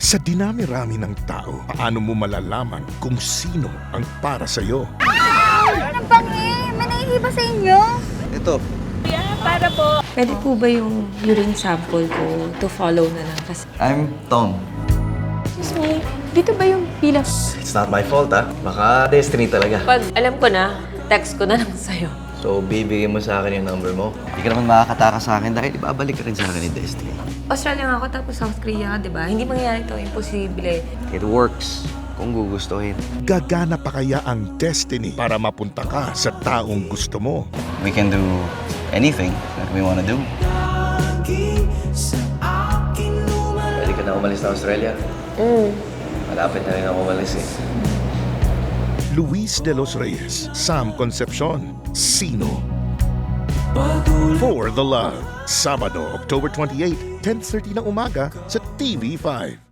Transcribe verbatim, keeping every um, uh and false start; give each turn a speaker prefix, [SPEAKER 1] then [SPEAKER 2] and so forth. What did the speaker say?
[SPEAKER 1] Sa dinami-rami ng tao, paano mo malalaman kung sino ang para sa'yo?
[SPEAKER 2] Ano bang eh? May naiiba sa inyo?
[SPEAKER 3] Ito.
[SPEAKER 2] Para po.
[SPEAKER 4] Pwede po ba yung urine sample ko to follow na lang kasi?
[SPEAKER 3] I'm Tom.
[SPEAKER 4] Excuse me, dito ba yung bilang?
[SPEAKER 3] It's not my fault, ha? Baka destiny talaga.
[SPEAKER 4] Pag alam ko na, text ko na lang sa'yo.
[SPEAKER 3] So, bibigyan mo sa akin yung number mo. Hindi ka naman makakataka sa akin dahil ibabalik ka rin sa akin ni Destiny.
[SPEAKER 4] Australia nga ako tapos South Korea, di ba? Hindi mangyayari to, imposible.
[SPEAKER 3] It works kung gugustuhin.
[SPEAKER 1] Gagana pa kaya ang destiny para mapunta ka sa taong gusto mo?
[SPEAKER 3] We can do anything that we wanna do. Pwede ka na umalis na Australia?
[SPEAKER 4] Mm.
[SPEAKER 3] Malapit na rin ako umalis eh.
[SPEAKER 1] Luis de los Reyes, Sam Concepcion, Sino? For the Love, Sabado, October twenty-eighth, ten thirty ng umaga sa T V five.